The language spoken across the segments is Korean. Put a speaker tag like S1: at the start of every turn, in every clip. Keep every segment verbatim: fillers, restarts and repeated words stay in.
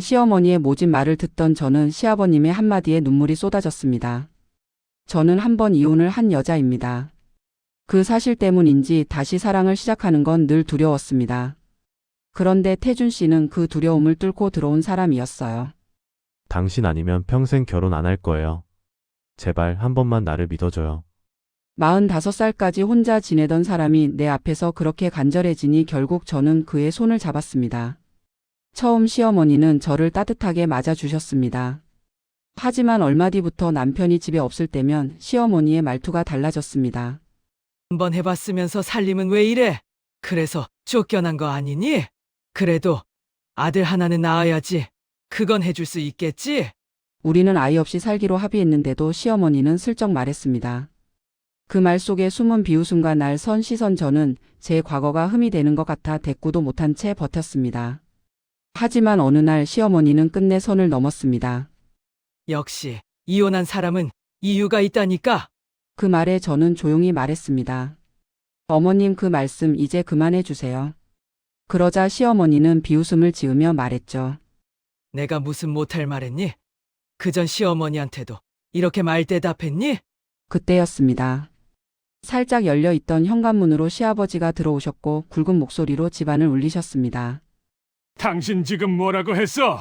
S1: 시어머니의 모진 말을 듣던 저는 시아버님의 한마디에 눈물이 쏟아졌습니다. 저는 한 번 이혼을 한 여자입니다. 그 사실 때문인지 다시 사랑을 시작하는 건 늘 두려웠습니다. 그런데 태준 씨는 그 두려움을 뚫고 들어온 사람이었어요.
S2: 당신 아니면 평생 결혼 안 할 거예요. 제발 한 번만 나를 믿어줘요.
S1: 마흔다섯 살까지 혼자 지내던 사람이 내 앞에서 그렇게 간절해지니 결국 저는 그의 손을 잡았습니다. 처음 시어머니는 저를 따뜻하게 맞아주셨습니다. 하지만 얼마 뒤부터 남편이 집에 없을 때면 시어머니의 말투가 달라졌습니다.
S3: 한번 해봤으면서 살림은 왜 이래? 그래서 쫓겨난 거 아니니? 그래도 아들 하나는 낳아야지. 그건 해줄 수 있겠지?
S1: 우리는 아이 없이 살기로 합의했는데도 시어머니는 슬쩍 말했습니다. 그 말 속에 숨은 비웃음과 날 선 시선 저는 제 과거가 흠이 되는 것 같아 대꾸도 못한 채 버텼습니다. 하지만 어느 날 시어머니는 끝내 선을 넘었습니다.
S3: 역시 이혼한 사람은 이유가 있다니까.
S1: 그 말에 저는 조용히 말했습니다. 어머님 그 말씀 이제 그만해 주세요. 그러자 시어머니는 비웃음을 지으며 말했죠.
S3: 내가 무슨 못할 말했니? 그전 시어머니한테도 이렇게 말 대답했니?
S1: 그때였습니다. 살짝 열려있던 현관문으로 시아버지가 들어오셨고 굵은 목소리로 집안을 울리셨습니다.
S4: 당신 지금 뭐라고 했어?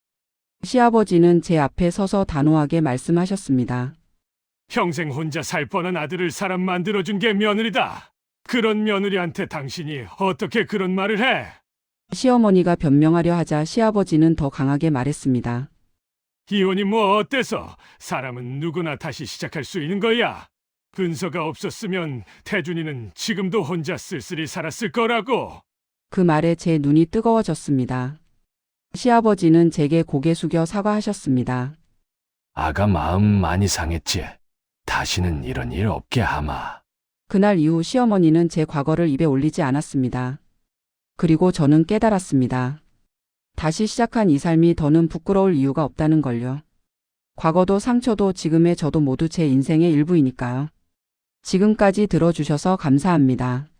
S1: 시아버지는 제 앞에 서서 단호하게 말씀하셨습니다.
S4: 평생 혼자 살 뻔한 아들을 사람 만들어준 게 며느리다. 그런 며느리한테 당신이 어떻게 그런 말을 해?
S1: 시어머니가 변명하려 하자 시아버지는 더 강하게 말했습니다.
S4: 이혼이 뭐 어때서? 사람은 누구나 다시 시작할 수 있는 거야. 근서가 없었으면 태준이는 지금도 혼자 쓸쓸히 살았을 거라고.
S1: 그 말에 제 눈이 뜨거워졌습니다. 시아버지는 제게 고개 숙여 사과하셨습니다.
S5: 아가 마음 많이 상했지. 다시는 이런 일 없게 하마.
S1: 그날 이후 시어머니는 제 과거를 입에 올리지 않았습니다. 그리고 저는 깨달았습니다. 다시 시작한 이 삶이 더는 부끄러울 이유가 없다는 걸요. 과거도 상처도 지금의 저도 모두 제 인생의 일부이니까요. 지금까지 들어주셔서 감사합니다.